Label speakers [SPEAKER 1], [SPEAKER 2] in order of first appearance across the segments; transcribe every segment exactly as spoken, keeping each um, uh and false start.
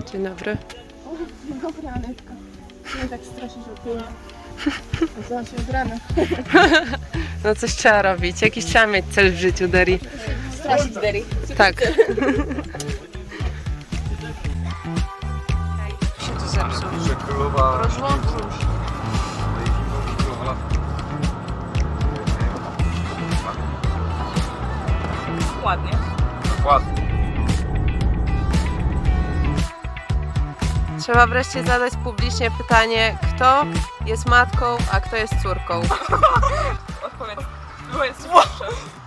[SPEAKER 1] Dzień dobry.
[SPEAKER 2] Dzień dobry, Anetka. Nie tak straszyć od tyłu. Nazywam się od rana.
[SPEAKER 1] No coś trzeba robić. Jakiś trzeba mieć cel w życiu, Deri.
[SPEAKER 2] Straszyć Derry.
[SPEAKER 1] Tak. Się tu zepsuł.
[SPEAKER 3] Że królowa...
[SPEAKER 1] Rozłączył się.
[SPEAKER 2] Ładnie.
[SPEAKER 3] Ładnie.
[SPEAKER 1] Trzeba wreszcie zadać publicznie pytanie, kto jest matką, a kto jest córką.
[SPEAKER 2] Odpowiedz. Było jest pierwsze.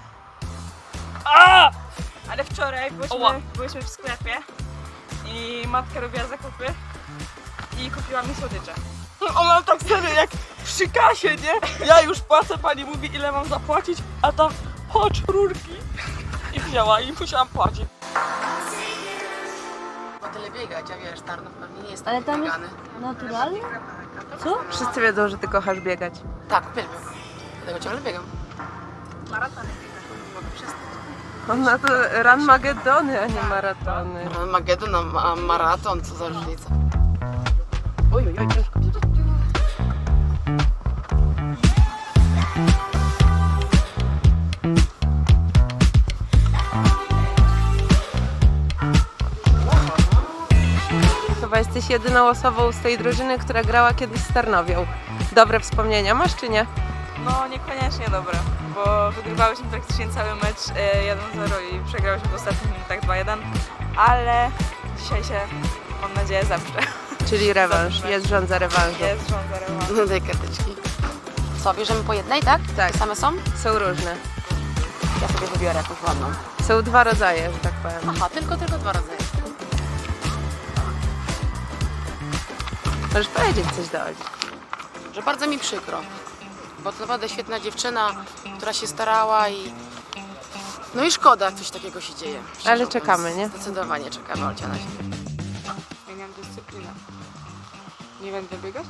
[SPEAKER 2] A! Ale wczoraj byliśmy, byliśmy w sklepie i matka robiła zakupy i kupiła mi słodycze.
[SPEAKER 4] Ona tak serio jak przy kasie, nie? Ja już płacę, pani mówi ile mam zapłacić, a tam chodź rurki. I wzięła i musiałam płacić.
[SPEAKER 1] O tyle biegać, a wiesz, Tarnów pewnie nie jest
[SPEAKER 5] Ale tam jest
[SPEAKER 1] biegany.
[SPEAKER 5] naturalnie? Co?
[SPEAKER 1] Wszyscy wiedzą, że ty kochasz biegać.
[SPEAKER 6] Tak, uwielbiam. Dlatego ciągle biegam.
[SPEAKER 2] Maratony.
[SPEAKER 6] Mogę przestać.
[SPEAKER 1] Ona to run Magedony, a nie maratony.
[SPEAKER 6] Magedon, a ma maraton, co za różnica. Oj, oj, oj, ciężko.
[SPEAKER 1] Chyba jesteś jedyną osobą z tej drużyny, która grała kiedyś z Tarnowią. Dobre wspomnienia masz, czy nie?
[SPEAKER 4] No niekoniecznie dobre, bo wygrywałyśmy praktycznie cały mecz e, jeden zero i przegrałyśmy w ostatnich minutach dwa jeden, ale dzisiaj się, mam nadzieję, zaprze.
[SPEAKER 1] Czyli rewanż, jest rządza rewanżu.
[SPEAKER 4] Jest rządza rewanż.
[SPEAKER 6] No daj karteczki. Co, bierzemy po jednej, tak?
[SPEAKER 1] Tak.
[SPEAKER 6] Te same są?
[SPEAKER 1] Są różne.
[SPEAKER 6] Ja sobie wybiorę jakąś ładną.
[SPEAKER 1] Są dwa rodzaje, że tak powiem.
[SPEAKER 6] Aha, tylko, tylko dwa rodzaje.
[SPEAKER 1] Możesz powiedzieć coś do Oli.
[SPEAKER 6] Że bardzo mi przykro, bo to naprawdę świetna dziewczyna, która się starała i... No i szkoda, jak coś takiego się dzieje. szczerze
[SPEAKER 1] Ale
[SPEAKER 6] mówiąc.
[SPEAKER 1] czekamy, nie?
[SPEAKER 6] Zdecydowanie czekamy, Olcia, na siebie.
[SPEAKER 4] Zmieniam dyscyplinę. Nie będę biegać?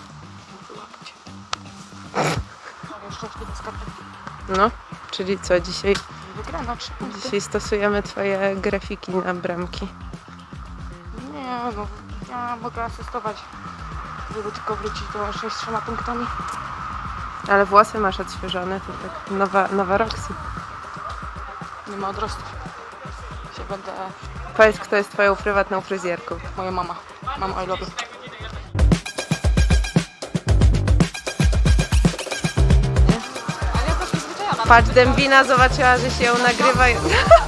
[SPEAKER 4] Jeszcze chwilę skaczę.
[SPEAKER 1] No, czyli co, dzisiaj,
[SPEAKER 4] Wygrana trzy punkty.
[SPEAKER 1] dzisiaj stosujemy twoje grafiki na bramki.
[SPEAKER 4] Nie no, ja mogę asystować, żeby tylko wrócić do sześć z trzema punktami.
[SPEAKER 1] Ale włosy masz odświeżone, to tak nowa, nowa Roxy.
[SPEAKER 4] Nie ma odrostów. Się będę...
[SPEAKER 1] Powiedz, kto jest twoją prywatną fryzjerką.
[SPEAKER 4] Moja mama. Mama I love you.
[SPEAKER 1] Patrz, Dębina zobaczyła, że się ją nagrywa i...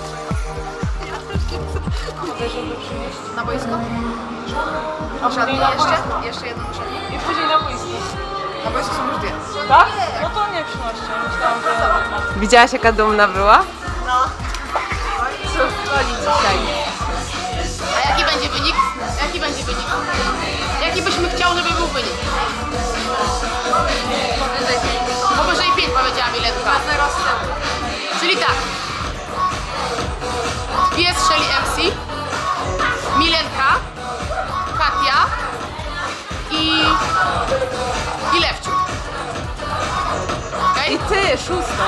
[SPEAKER 6] Na boisko? Szatnie jeszcze? Jeszcze jedną szatnię.
[SPEAKER 4] I później na boisku.
[SPEAKER 6] Na boisku są już dwie.
[SPEAKER 4] Tak? No to nie przynoście. Myślałam, że...
[SPEAKER 1] Widziałaś, jaka dumna była? No. Co w Oli dzisiaj?
[SPEAKER 6] A jaki będzie wynik? Jaki będzie wynik? Jaki byśmy chciał, żeby był wynik? Powyżej pięć powiedziała Miletka. Czyli tak. Dwie strzeli M C, Milenka, Katia i, i Lewciu.
[SPEAKER 1] I
[SPEAKER 6] Okay?
[SPEAKER 1] ty, szóstą.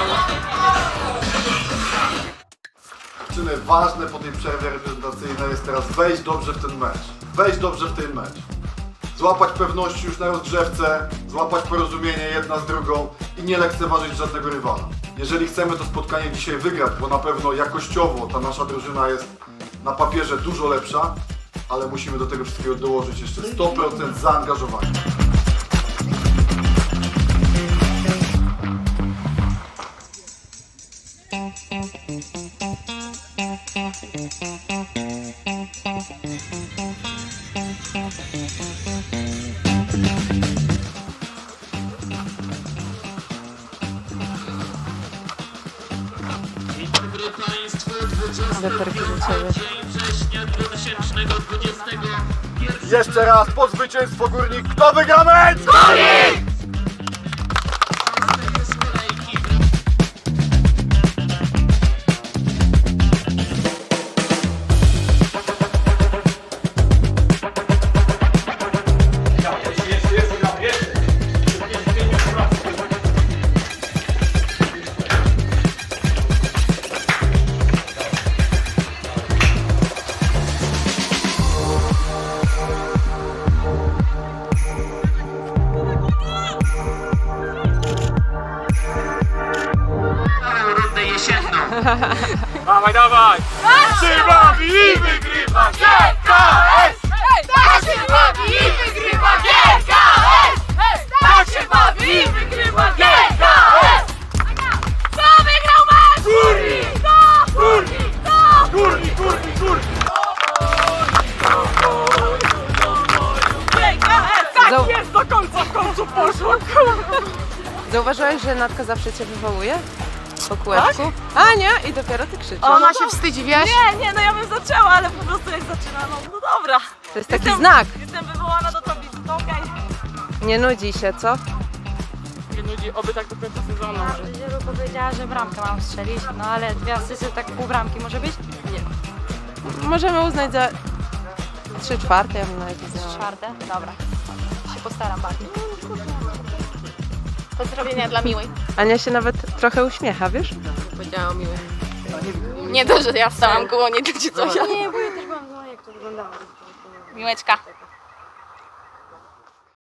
[SPEAKER 3] Dziewczyny, ważne po tej przerwie reprezentacyjnej jest teraz wejść dobrze w ten mecz. Wejść dobrze w ten mecz. Złapać pewności już na rozgrzewce, złapać porozumienie jedna z drugą i nie lekceważyć żadnego rywala. Jeżeli chcemy to spotkanie dzisiaj wygrać, bo na pewno jakościowo ta nasza drużyna jest na papierze dużo lepsza, ale musimy do tego wszystkiego dołożyć jeszcze sto procent zaangażowania.
[SPEAKER 1] Weterki do ciebie.
[SPEAKER 3] Jeszcze raz po zwycięstwo Górnik. Kto wygra mecz? Górnik!
[SPEAKER 7] Dawaj, dawaj! Tak się bawi i wygrywa G K S! Tak się bawi i wygrywa G K S! Tak się bawi i wygrywa G K S! Kto wygrał mecz? Górnik! Górnik! Górnik! Górnik! Górnik!
[SPEAKER 1] Zau-
[SPEAKER 2] Jest do końca, w końcu poszło.
[SPEAKER 1] Zauważyłaś, że Natka zawsze cię wywołuje? Po kółeczku? A nie, i dopiero ty krzyczysz.
[SPEAKER 6] Ona się wstydzi, wiesz?
[SPEAKER 2] Nie, nie, no ja bym zaczęła, ale po prostu jak zaczyna, no, no dobra.
[SPEAKER 1] To jest taki
[SPEAKER 2] Jestem-
[SPEAKER 1] znak.
[SPEAKER 2] Jestem wywołana do tablicy, to okej.
[SPEAKER 1] Nie nudzi się, co?
[SPEAKER 7] Nie nudzi, oby tak do końca sezonu.
[SPEAKER 5] Żyru powiedziała, że bramkę mam strzelić, no ale dwie asysty, tak pół bramki może być?
[SPEAKER 1] Możemy uznać za trzy czwarte, ja bym nawet uznała.
[SPEAKER 5] Czwarte? Dobra. Się postaram bardziej.
[SPEAKER 8] Pozdrowienia dla Miłej.
[SPEAKER 1] Ania się nawet trochę uśmiecha, wiesz?
[SPEAKER 6] Powiedziała o miłej.
[SPEAKER 8] Nie to, że ja stałam koło niej czy coś.
[SPEAKER 5] Nie, bo ja też byłam, no jak to wyglądało.
[SPEAKER 8] Miłeczka.